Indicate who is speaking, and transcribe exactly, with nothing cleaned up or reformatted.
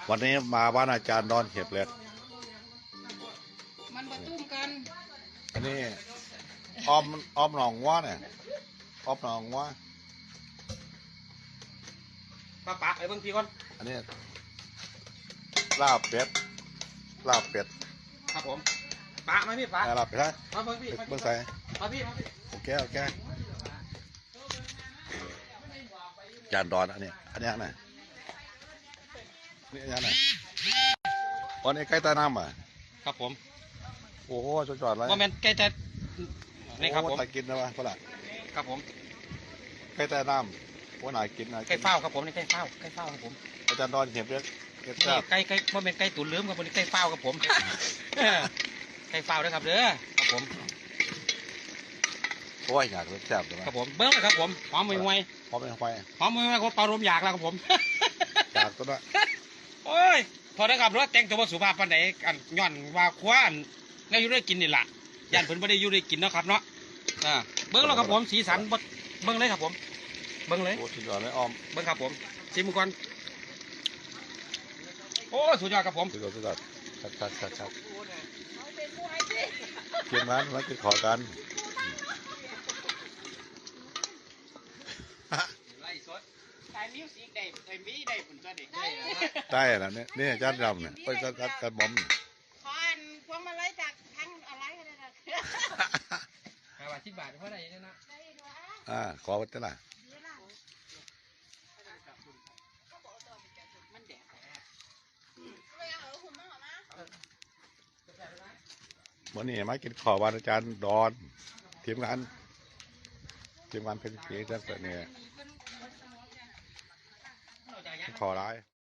Speaker 1: วันนี้มาบ้านอาจารย์ดอนเห็บเล็ก
Speaker 2: มันประตุ้มกัน
Speaker 1: อันนี้อ้อมอ้อมหนองว่าเนี่ยอ้อมหนองว่า
Speaker 3: ปะปะไอ้เบิ้งพี่ก่อน
Speaker 1: อันนี้ลาบเป็ดลาบเป็ด
Speaker 3: ครับผมปะไหมพี่ปะ
Speaker 1: ลาบเป็ดฮะ
Speaker 3: มาเบิ้งพี่
Speaker 1: เบิ้งใส่
Speaker 3: มาพี่มาพี่
Speaker 1: โอเคโอเคอาจารย์ดอนอันนี้อันนี้ไหนนี่อันนี้ไหนวันนี้ใกล้ใต้น้ำอ่ะ
Speaker 3: ครับผม
Speaker 1: โอ้โหจอดจอดเลย
Speaker 3: โมเมนต์ใกล้จะนี่ครับผม
Speaker 1: ตะกินนะวะพ่อละ
Speaker 3: ครับผม
Speaker 1: ใกล้ใต้น้ำว่าไหนกินไหน
Speaker 3: ใกล้เฝ้าครับผมนี่ใกล้เฝ้าใกล้เฝ้าครับผม
Speaker 1: อาจารย์ดอนเห็บเล็กเห็บแซ่บ
Speaker 3: ใกล้ใกล้โมเมนต์ใกล้ตุ๋นลืมครับผมใกล้เฝ้าครับผมใกล้เฝ้าด้วยครับเด้อครับผม
Speaker 1: โอ้ยอยากแซ่บเลย
Speaker 3: ครับผมเบิ้งเลยครับผมหอมมวยมวย
Speaker 1: พร้อมไปไป
Speaker 3: หอมมวยมวยผมเป่าลมอยากแล้วครับผม
Speaker 1: อยากตัวละ
Speaker 3: โอ้ยพอได้ครับรถแต่งตัวสุภาพปานไหนอันย้อนว่าคว้านแล้วอยู่ได้กินนี่แหละย่านเพิ่นไม่ได้อยู่ได้กินเนาะครับเนาะอ่าเบิ้งแล้วครับผมสีสันเบิ้งเลยครับผมเบิ้งเลย
Speaker 1: โอ้สุดยอดเลยอ้อม
Speaker 3: เบิ้งครับผมชิมก่อนโอ้สุดยอดครับผม
Speaker 1: สุดยอดสุดยอดชัดชัดชัดชัดเกี่ยงร้านร้านกินขอกันได้แล้วเนี่ยนี่จานดำเนี่ยไปจานจานจานบอม
Speaker 2: ขออันพวงมาลัยจากทั้งอะไรกันเลยนะ
Speaker 3: ห้าบาทสิบบาทเพราะอะไรเนี่ยนะ
Speaker 1: อ่าขอวัตถุละวันนี้มากินขอวันอาจารย์ดอนทีมงานทีมงานเพชรเกียรติเนี่ยขอร้าย